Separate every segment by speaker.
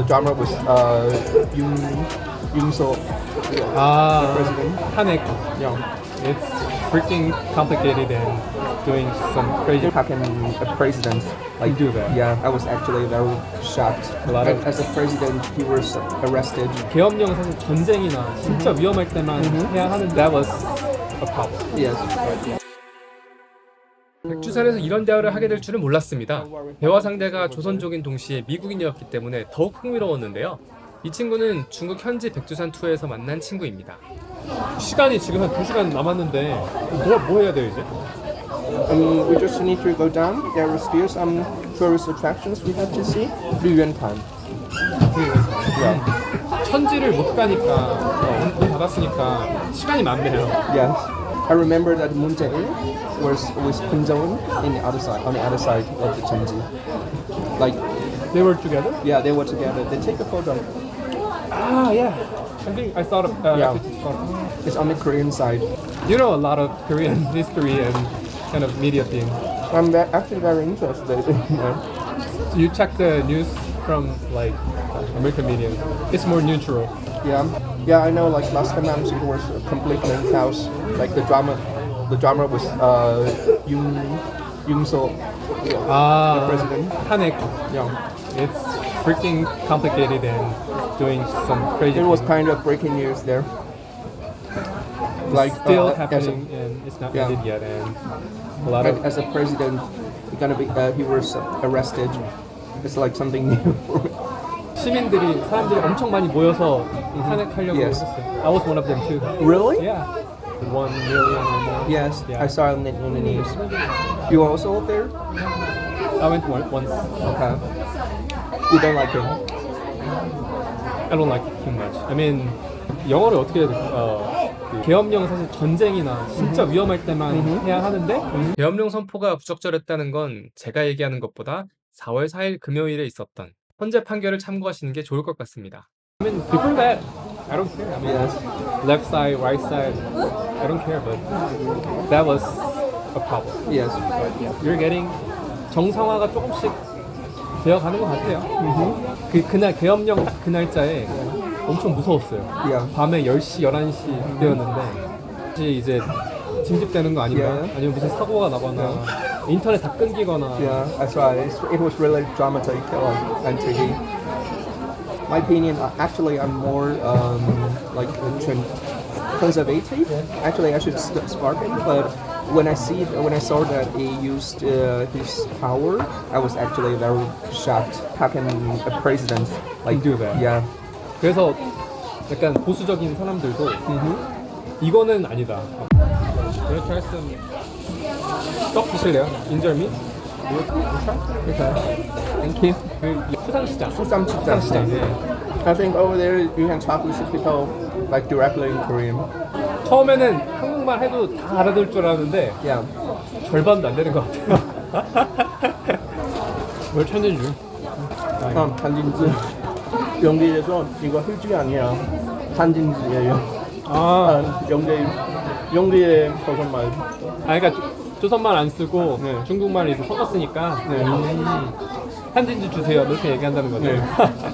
Speaker 1: drama was Yoon Suk, the president.
Speaker 2: 탄핵. It's freaking complicated and doing some crazy.
Speaker 1: How can a president
Speaker 2: do that?
Speaker 1: Yeah, I was actually very shocked.
Speaker 2: A lot of-
Speaker 1: As a president, he was arrested.
Speaker 2: 계엄령 사실 전쟁이나 진짜 위험할 때만 해야 하는 that was a problem.
Speaker 1: Yes.
Speaker 2: 백두산에서 이런 대화를 하게 될 줄은 몰랐습니다. 대화 상대가 조선족인 동시에 미국인이었기 때문에 더욱 흥미로웠는데요. 이 친구는 중국 현지 백두산 투어에서 만난 친구입니다. 시간이 지금 한 2시간 남았는데 뭐 해야 돼요 이제?
Speaker 1: We just need to go down. There are still some tourist attractions we have to see. Yuan Yeah.
Speaker 2: 천지를 못 가니까 문 닫았으니까 시간이 많네요.
Speaker 1: Yes. I remember that Moon Jae-in was with Kim Jong-un on the other side of the Cheonji. Like,
Speaker 2: They were together?
Speaker 1: yeah, they were together. They take a photo.
Speaker 2: Ah, yeah. I think I thought of
Speaker 1: Yeah.
Speaker 2: actually,
Speaker 1: It's on the Korean side.
Speaker 2: you know a lot of Korean history and kind of media thing.
Speaker 1: I'm actually very interested.
Speaker 2: So you check the news from like American media. It's more neutral.
Speaker 1: Yeah, yeah, I know. Like last time it was a completely chaos. Like the drama was Yoon Suk, the president.
Speaker 2: 탄핵.
Speaker 1: Yeah,
Speaker 2: It's freaking complicated and doing some crazy.
Speaker 1: it was
Speaker 2: things.
Speaker 1: kind of breaking news there. Like
Speaker 2: Still
Speaker 1: as
Speaker 2: happening and it's not
Speaker 1: Yeah.
Speaker 2: ended yet and a lot of
Speaker 1: as a president, he was arrested. It's like something new.
Speaker 2: 사람들이 엄청 많이 모여서 탄핵하려고
Speaker 1: Yes.
Speaker 2: 했어요. I was one of them too.
Speaker 1: Really?
Speaker 2: Yeah. 1 million or more.
Speaker 1: Yes,
Speaker 2: Yeah.
Speaker 1: I saw it on the news. You were also there?
Speaker 2: I went once.
Speaker 1: Okay. You don't like him?
Speaker 2: I don't like it too much. I mean, 영어를 어떻게 해야 돼? 그 계엄령 사실 전쟁이나 진짜 위험할 때만 해야 하는데 계엄령 선포가 부적절했다는 건 제가 얘기하는 것보다 4월 4일 금요일에 있었던 헌재 판결을 참고하시는 게 좋을 것 같습니다. I mean, before that, I don't care. I mean,
Speaker 1: Yes.
Speaker 2: left side, right side, I don't care. But that was a problem.
Speaker 1: Yes.
Speaker 2: You're getting 정상화가 조금씩 되어가는 것 같아요. 그날 계엄령 딱 그 날짜에 엄청 무서웠어요.
Speaker 1: Yeah.
Speaker 2: 밤에 10시, 11시 때였는데 혹시 이제 진집되는 거 아닌가?
Speaker 1: Yeah.
Speaker 2: 아니면 무슨 사고가 나거나 인터넷 다 끊기거나
Speaker 1: Yeah, that's right. It was really dramatic on TV. My opinion, actually, I'm more like conservative. Actually, I should spark it, but when I saw that he used his power, I was actually very shocked. How can a president
Speaker 2: do that?
Speaker 1: Yeah.
Speaker 2: 그래서 약간 보수적인 사람들도 이거는 아니다. Wanna try some 떡 드실래요? 인절미?
Speaker 1: Okay. Thank you.
Speaker 2: 그 수산시장.
Speaker 1: 수산시장.
Speaker 2: 네.
Speaker 1: I think over there you can talk with people like directly in Korean.
Speaker 2: 처음에는 한국말 해도 다 알아들 줄 알았는데
Speaker 1: Yeah.
Speaker 2: 절반도 안 되는 것 같아요. 뭘 찾는 줄?
Speaker 1: 한진지. 영계에서 이거 휴지 아니야. 한진지예요. 영계의 버섯말.
Speaker 2: 그러니까 조선말 안 쓰고
Speaker 1: 네.
Speaker 2: 중국말을 이제 섞었으니까
Speaker 1: 네.
Speaker 2: 한진지 주세요 이렇게 얘기한다는 거죠.
Speaker 1: 네.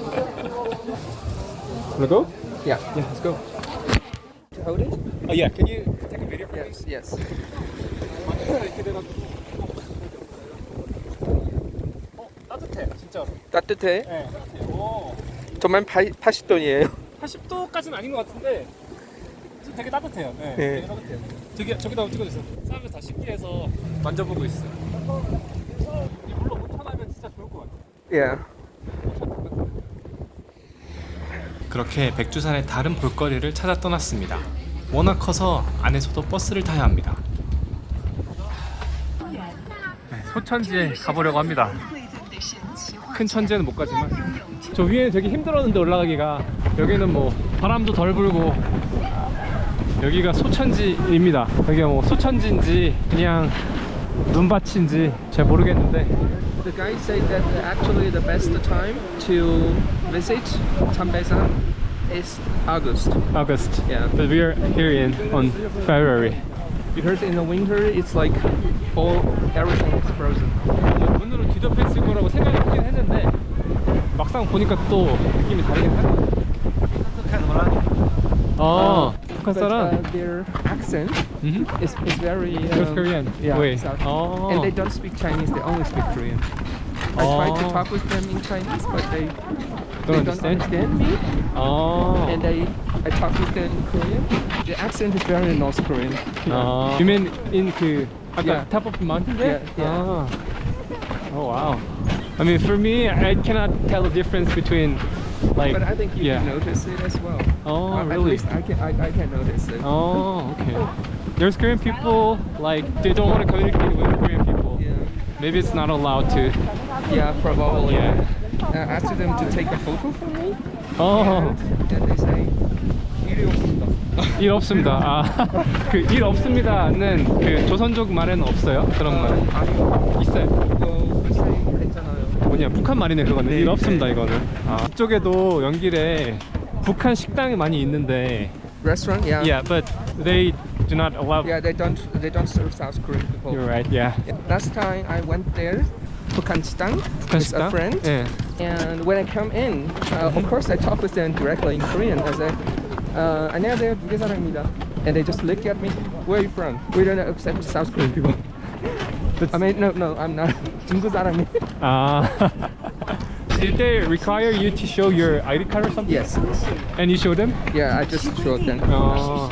Speaker 2: Wanna go?
Speaker 1: Yeah.
Speaker 2: Yeah, let's go.
Speaker 1: Hold it?
Speaker 2: Oh yeah, can you take a video for me?
Speaker 1: Yes.
Speaker 2: 이렇게 돼가지고. 따뜻해 진짜로.
Speaker 1: 따뜻해?
Speaker 2: 네, 따뜻해. 오.
Speaker 1: 정말 80도이에요.
Speaker 2: 80도까지는 아닌 것 같은데 되게 따뜻해요. 네,
Speaker 1: 네.
Speaker 2: 되게 따뜻해요. 저기다 찍어주세요. 사람들 다 쉽게 해서 만져보고 있어요. 이 물로 못 타나면 진짜 좋을 것 같아요.
Speaker 1: Yeah.
Speaker 2: 그렇게 백두산의 다른 볼거리를 찾아 떠났습니다. 워낙 커서 안에서도 버스를 타야 합니다. 네, 소천지에 가보려고 합니다. 큰 천지는 못 가지만 저 위에는 되게 힘들었는데 올라가기가 여기는 뭐 바람도 덜 불고 여기가 소천지입니다. 여기가 뭐 소천지인지 그냥 눈밭인지 잘 모르겠는데
Speaker 1: The guy said that actually the best time to visit Chambasan is August.
Speaker 2: August.
Speaker 1: Yeah.
Speaker 2: But we are here on February.
Speaker 1: Because in the winter it's like everything is frozen.
Speaker 2: 눈으로 뒤덮여 있을 거라고 생각을 하긴 했는데 막상 보니까 또 느낌이 다르긴 하네. 어, 북한
Speaker 1: But
Speaker 2: 사람.
Speaker 1: their accent
Speaker 2: Mhm.
Speaker 1: is very
Speaker 2: North Korean.
Speaker 1: Yeah,
Speaker 2: Wait.
Speaker 1: South.
Speaker 2: Oh.
Speaker 1: And they don't speak Chinese. They only speak Korean. I tried to talk with them in Chinese, but they don't understand me.
Speaker 2: Oh.
Speaker 1: And I talk with them in Korean. The accent is very North Korean.
Speaker 2: You mean in 그 아까
Speaker 1: Yeah.
Speaker 2: top of the mountain there?
Speaker 1: Yeah, yeah.
Speaker 2: Oh wow. I mean, for me, I cannot tell the difference between like.
Speaker 1: But I think you
Speaker 2: yeah.
Speaker 1: can notice it as well.
Speaker 2: Oh,
Speaker 1: At
Speaker 2: really?
Speaker 1: least I can notice it.
Speaker 2: Oh, okay. There's Korean people like they don't want to communicate with Korean people.
Speaker 1: Yeah.
Speaker 2: Maybe it's not allowed to.
Speaker 1: Yeah, probably.
Speaker 2: Yeah.
Speaker 1: I asked them to take a photo for me.
Speaker 2: Oh.
Speaker 1: And they say, 일이 없습니다.
Speaker 2: 일 없습니다. 아, 그 일 없습니다는 그 조선족 말에는 없어요. 그런 말.
Speaker 1: 아니요.
Speaker 2: 있어요.
Speaker 1: 그거 글쎄 했잖아요.
Speaker 2: 뭐냐 북한 말이네 그거는.
Speaker 1: 네,
Speaker 2: 일 없습니다
Speaker 1: 네.
Speaker 2: 이거는. 아, 이쪽에도 연길에 북한 식당이 많이 있는데.
Speaker 1: Restaurant, yeah.
Speaker 2: Yeah, but they do not allow.
Speaker 1: Yeah, they don't serve South Korean people.
Speaker 2: You're right. Yeah.
Speaker 1: Yeah. Last time I went there, 북한 식당
Speaker 2: 북한
Speaker 1: with a
Speaker 2: 식당.
Speaker 1: friend.
Speaker 2: 예.
Speaker 1: And when I come in, of course I talk with them directly in Korean. I say, 안녕하세요, 북한 사람입니다. And they just look at me. Where are you from? We don't accept South Korean people. I mean, no, I'm not. 중국 사람이.
Speaker 2: Ah. Did they require you to show your ID card or something?
Speaker 1: Yes.
Speaker 2: And you showed them?
Speaker 1: Yeah, I just showed them.
Speaker 2: Oh.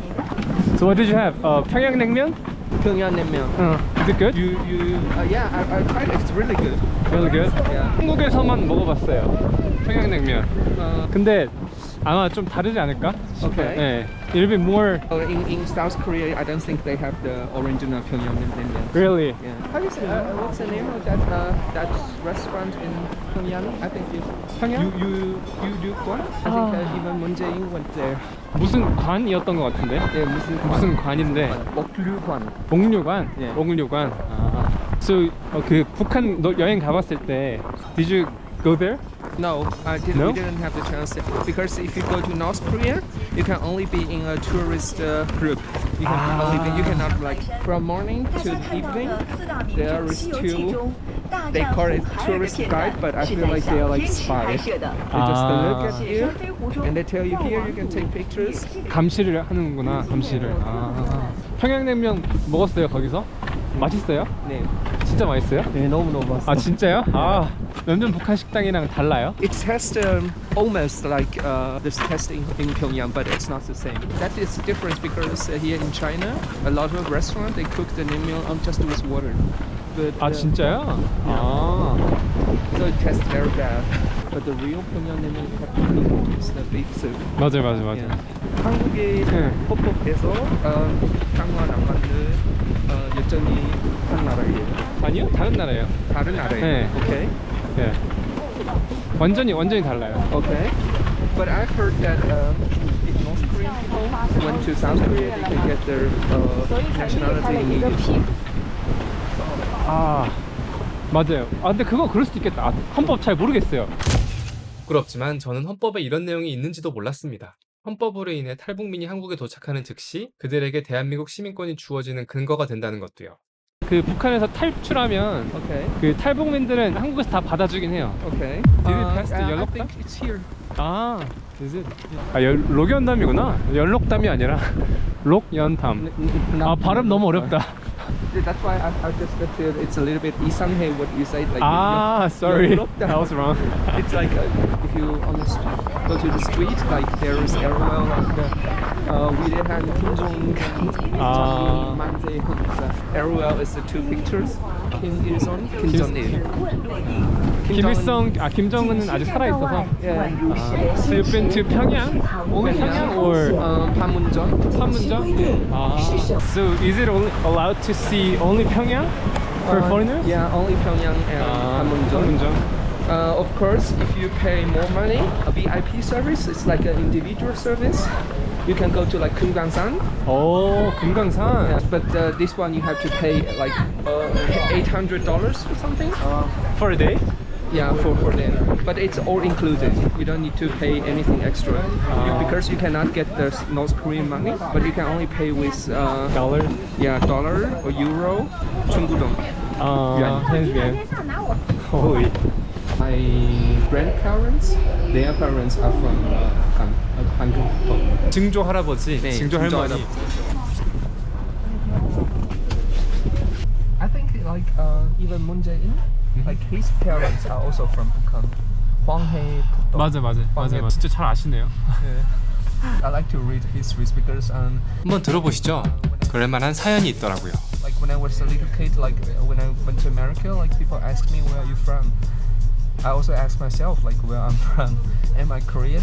Speaker 2: So what did you have? 평양냉면?
Speaker 1: 평양냉면.
Speaker 2: Is it good?
Speaker 1: Yeah, I tried it. It's really good.
Speaker 2: Really good?
Speaker 1: Yeah.
Speaker 2: 한국에서만 먹어봤어요. 평양냉면. 근데 아마 좀 다르지 않을까? 싶어요.
Speaker 1: Okay.
Speaker 2: 네. A little bit more.
Speaker 1: In South Korea, I don't think they have the original 평양냉면.
Speaker 2: Really?
Speaker 1: Yeah. How do you say? What's the name of that restaurant in Pyongyang? I think you.
Speaker 2: 평양?
Speaker 1: You do one? I think even Moon Jae-in went there.
Speaker 2: 무슨 관이었던 것 같은데?
Speaker 1: Yeah,
Speaker 2: 무슨 관인데?
Speaker 1: 목류관.
Speaker 2: 목류관?
Speaker 1: 예.
Speaker 2: 목류관. 아. So 그 북한 여행 가봤을 때 Did you go there?
Speaker 1: No,
Speaker 2: No?
Speaker 1: we didn't have the chance because if you go to North Korea, you can only be in a tourist group. You can only be, you cannot like from morning to evening. There is two. They call it tourist guide, but I feel like they are like spies. They just look at you and they tell you here you can take pictures.
Speaker 2: 감시를 하는구나. 감시를. 아. 평양냉면 먹었어요 거기서? 맛있어요?
Speaker 1: 네.
Speaker 2: 진짜 맛있어요?
Speaker 1: 네, 너무 맛있어.
Speaker 2: 아 진짜요? 아 완전 북한 식당이랑 달라요?
Speaker 1: It tastes almost like this test in Pyongyang, but it's not the same. That is the difference because here in China, a lot of restaurants they cook the naengmyeon just with water. But,
Speaker 2: 아 진짜요? 아.
Speaker 1: So it tastes very bad. But the real Pyongyang naengmyeon you have to cook is the beef soup.
Speaker 2: 맞아요.
Speaker 1: Yeah. 한국의
Speaker 2: 네.
Speaker 1: 헌법에서 북한과 남한을 여전히 한 나라예요.
Speaker 2: 아니요? 다른 나라예요.
Speaker 1: 다른 나라예요.
Speaker 2: 네.
Speaker 1: Okay.
Speaker 2: 예. 완전히 달라요.
Speaker 1: Okay. But I've heard that if North Korean people went to South Korea, they can get their nationality immediately.
Speaker 2: 아 맞아요. 아 근데 그거 그럴 수도 있겠다. 아, 헌법 잘 모르겠어요. 부끄럽지만 저는 헌법에 이런 내용이 있는지도 몰랐습니다. 헌법으로 인해 탈북민이 한국에 도착하는 즉시 그들에게 대한민국 시민권이 주어지는 근거가 된다는 것도요. 그 북한에서 탈출하면
Speaker 1: Okay.
Speaker 2: 그 탈북민들은 한국에서 다 받아주긴 해요.
Speaker 1: Okay.
Speaker 2: Did it pass the
Speaker 1: I
Speaker 2: 연록담?
Speaker 1: think it's here.
Speaker 2: 아, is it? 아, 록연담이구나. 연록담이 아니라 록연담. 아, 발음 너무 어렵다.
Speaker 1: That's why I just feel it's a little bit 이상해 what you say. Like
Speaker 2: Ah, sorry.
Speaker 1: 연록담.
Speaker 2: I was wrong.
Speaker 1: It's like if you on the go to the street, like there is everywhere like 위대한 김정은,
Speaker 2: 아.
Speaker 1: 만세현. Everywhere is the two pictures. Kim Il-sung, Kim Jong-il.
Speaker 2: 김일성, 아 김정은은 아직 살아 있어서.
Speaker 1: Yeah.
Speaker 2: So you've been to Pyongyang? Only Pyongyang or
Speaker 1: Panmunjom.
Speaker 2: Panmunjom? Ah. So is it only allowed to see only Pyongyang for foreigners?
Speaker 1: Yeah, only Pyongyang and Panmunjom.
Speaker 2: Panmunjom.
Speaker 1: Of course, if you pay more money, a VIP service, it's like an individual service. You can go to like Kumgangsan.
Speaker 2: 오, 금강산.
Speaker 1: Yeah, but this one you have to pay like $800 or something.
Speaker 2: For a day?
Speaker 1: Yeah, for them. But it's all included. You don't need to pay anything extra. Because you cannot get the North Korean money, but you can only pay with
Speaker 2: Dollar?
Speaker 1: yeah, dollar or euro, 중국동.
Speaker 2: 아, 현지엔. Holy. I
Speaker 1: grandparents, their parents are from Hankook.
Speaker 2: 증조 할아버지,
Speaker 1: 네,
Speaker 2: 증조
Speaker 1: 증조
Speaker 2: 할머니.
Speaker 1: I think like even Moon Jae-in, like his parents are also from Bukhan. Hwanghae Pukto.
Speaker 2: 맞아. 진짜 잘 아시네요.
Speaker 1: I like to read histories because
Speaker 2: 한번 들어보시죠. 그럴만한 사연이 있더라고요.
Speaker 1: like when I was a little kid, like when I went to America, like people asked me where are you from. I also asked myself like where I'm from. Am I Korean?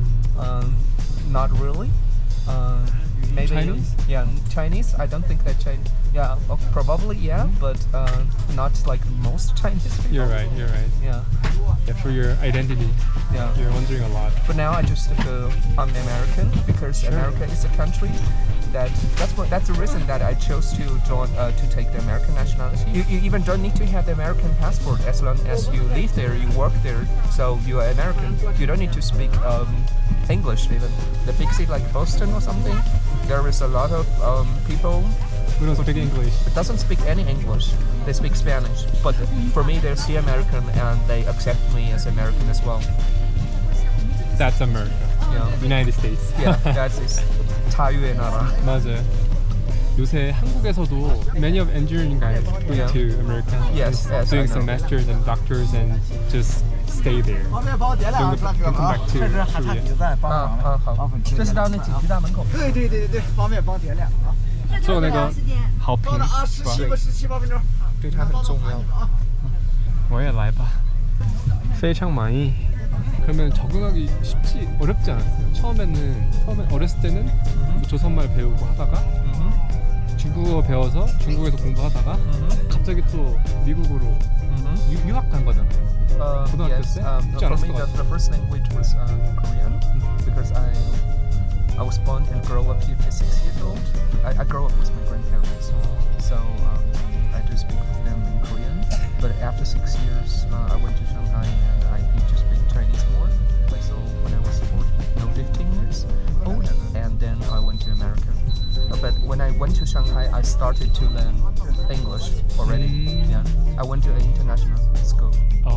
Speaker 1: Not really. Maybe
Speaker 2: Chinese?
Speaker 1: Yeah, Chinese. I don't think that Chinese. Yeah, probably yeah, but not like most Chinese people.
Speaker 2: You're right.
Speaker 1: Yeah,
Speaker 2: Yeah, for your identity,
Speaker 1: yeah.
Speaker 2: you're wondering a lot.
Speaker 1: But now I just feel I'm American because America is a country that's the reason that I chose to join to take the American nationality. You even don't need to have the American passport as long as you live there, you work there, so you are American. You don't need to speak English even. The big city like Boston or something, there is a lot of people
Speaker 2: We don't speak English.
Speaker 1: that doesn't speak any English. They speak Spanish. But for me, they're still American and they accept me as American as well.
Speaker 2: That's America.
Speaker 1: Yeah,
Speaker 2: United States.
Speaker 1: yeah, that's it. 자유의 나라.
Speaker 2: 맞아요. 요새 한국에서도 many of engineering guys go
Speaker 1: Yeah.
Speaker 2: to America,
Speaker 1: Yes, yes,
Speaker 2: doing
Speaker 1: I
Speaker 2: some
Speaker 1: know.
Speaker 2: masters and doctors and just stay there.
Speaker 3: 方便帮我点两个
Speaker 2: Don't
Speaker 3: 哥
Speaker 2: come
Speaker 3: 啊
Speaker 2: back，to
Speaker 3: 这是哈萨
Speaker 2: Korea.
Speaker 3: 比赛帮忙的，
Speaker 1: 好，这是到那紧急大门口。
Speaker 3: 对，方便帮点两个啊。
Speaker 2: 做那个好评
Speaker 3: 到了啊，17分钟。
Speaker 1: 对它很重要。
Speaker 2: 我也来吧. 非常많이. 그러면 적응하기 쉽지 어렵지 않았어요. 처음에 어렸을 때는 조선말 배우고 하다가 중국어 배워서 중국에서 공부하다가 갑자기 또 미국으로 유학 간 거잖아요. 고등학교
Speaker 1: Yes,
Speaker 2: 때? 쉽지
Speaker 1: for
Speaker 2: 않았을
Speaker 1: me
Speaker 2: 것 같아요.
Speaker 1: the first language was Korean because I was born and grew up here to 6 years old. I grew up with my grandparents, so I do speak with them in Korean. But after 6 years, I went to Shanghai and I need to speak Chinese more. Like so, when I was 15 years old, and then I went to America. But when I went to Shanghai, I started to learn English already. Yeah, I went to an international school.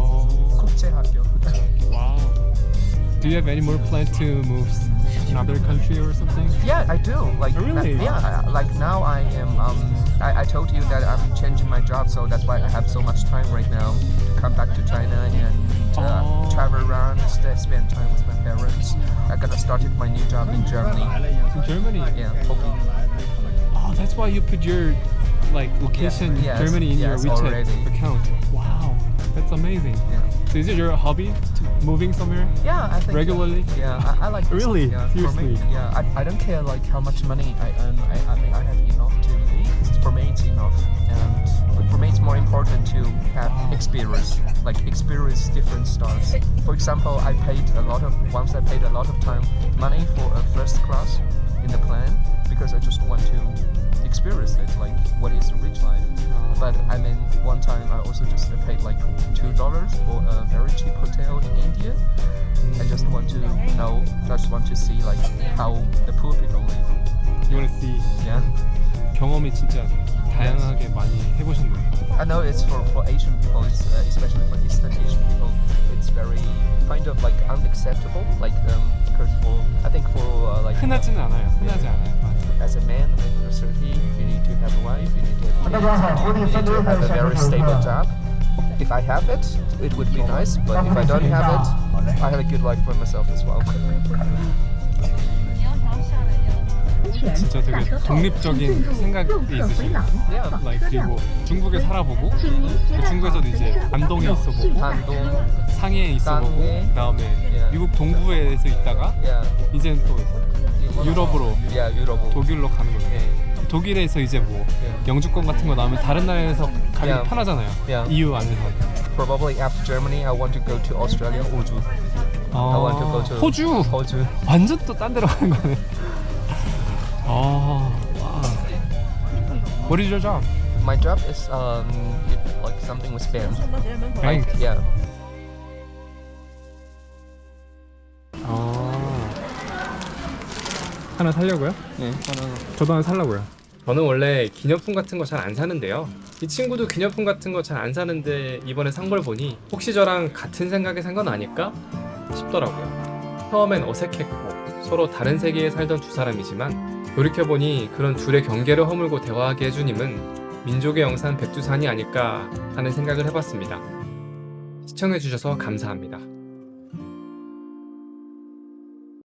Speaker 1: 국제학교.
Speaker 2: Wow. Do you have any more plans to move another country or something?
Speaker 1: Yeah, I do. Like,
Speaker 2: Really?
Speaker 1: Like now I am. I told you that I'm changing my job, so that's why I have so much time right now to come back to China and travel around, spend time with my parents. I'm gonna start my new job in Germany.
Speaker 2: In Germany?
Speaker 1: Yeah, hoping.
Speaker 2: Oh, that's why you put your location
Speaker 1: Yes,
Speaker 2: Germany in your
Speaker 1: yes,
Speaker 2: WeChat
Speaker 1: already.
Speaker 2: account. Wow, that's amazing.
Speaker 1: Yeah.
Speaker 2: So is it your hobby to moving somewhere?
Speaker 1: Yeah, I think
Speaker 2: Regularly?
Speaker 1: Yeah, I like this.
Speaker 2: Really?
Speaker 1: Yeah, for me,
Speaker 2: Seriously?
Speaker 1: yeah, I don't care like how much money I earn. I mean, I have enough to live. For me, it's enough, and for me, it's more important to have experience, like experience different styles. For example, once I paid a lot of money for a first class in the plane because I just want to experience it, like what is a rich life. But I mean, one time I also just paid like $2 for a very cheap hotel in India. I just want to see like how the poor people live.
Speaker 2: You want to see
Speaker 1: Yeah,
Speaker 2: 경험이 진짜 다양하게 많이 해보셨네요.
Speaker 1: I know it's for Asian people, it's, especially for Eastern Asian people, it's very kind of like unacceptable. Like because I think for like
Speaker 2: 흔하지는 않아요. 흔하지 않아요. 맞아요.
Speaker 1: as a man under 30, you need to have a wife, you need to have kids, you need to have a very stable job. If I have it, it would be nice. But if I don't have it, I have a good life for myself as well.
Speaker 2: 진짜 되게 독립적인 생각이 있으시네요.
Speaker 1: Yeah.
Speaker 2: Like, 그리고 중국에 살아보고 그 중국에서도 이제 안동에 있어보고
Speaker 1: 한동,
Speaker 2: 상해에 있어보고
Speaker 1: 상해.
Speaker 2: 그다음에
Speaker 1: Yeah.
Speaker 2: 미국 동부에서 있다가
Speaker 1: yeah,
Speaker 2: 이제는 또 유럽으로
Speaker 1: yeah, 유럽.
Speaker 2: 독일로 가는 거예요.
Speaker 1: Yeah.
Speaker 2: 독일에서 이제 뭐
Speaker 1: Yeah.
Speaker 2: 영주권 같은 거 나오면 다른 나라에서 가기
Speaker 1: Yeah.
Speaker 2: 편하잖아요.
Speaker 1: Yeah.
Speaker 2: EU 안에서.
Speaker 1: Probably after Germany, I want to go to Australia, 호주. I want to go to
Speaker 2: 호주.
Speaker 1: 호주.
Speaker 2: 완전 또 딴 데로 가는 거네. 와. What is your job?
Speaker 1: My job is like something with band. Like
Speaker 2: Bank.
Speaker 1: yeah.
Speaker 2: 하나 살려고요?
Speaker 1: 네,
Speaker 2: 저도 하나 살려고요. 저는 원래 기념품 같은 거 잘 안 사는데요. 이 친구도 기념품 같은 거 잘 안 사는데 이번에 산 걸 보니 혹시 저랑 같은 생각에 산 건 아닐까 싶더라고요. 처음엔 어색했고 서로 다른 세계에 살던 두 사람이지만 돌이켜보니 그런 둘의 경계를 허물고 대화하게 해준 힘은 민족의 영산 백두산이 아닐까 하는 생각을 해봤습니다. 시청해주셔서 감사합니다.